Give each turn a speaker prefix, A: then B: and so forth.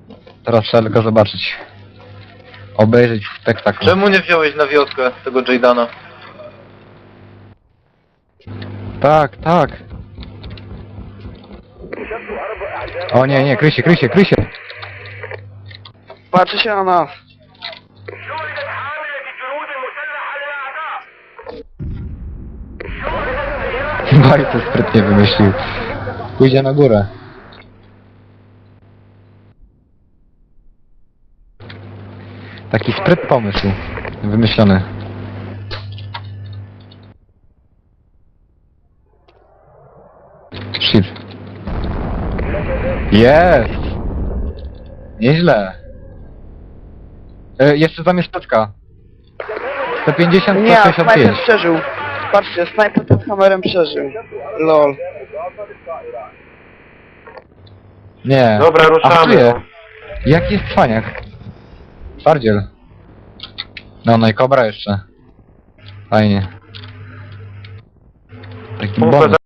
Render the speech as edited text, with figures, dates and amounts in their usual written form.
A: Teraz trzeba tylko zobaczyć. Obejrzeć spektakl.
B: Czemu nie wziąłeś na wioskę tego Jaydana?
A: Tak, tak. O nie, nie, kryj się, kryj się, kryj się.
C: Patrzy się na nas.
A: Bardzo sprytnie wymyślił. Pójdzie na górę. Taki spryt pomysł. Wymyślony. Shit. Jest! Nieźle. Jeszcze tam jest teczka. 150,
C: Nie, snajper
A: 165.
C: przeżył. Patrzcie, snajper pod kamerem przeżył. Lol.
A: Nie.
B: Dobra, ruszamy.
A: A czuję. Jaki jest cwaniak? Twardziel. No i kobra jeszcze. Fajnie. Taki
B: Pompę
A: bonus.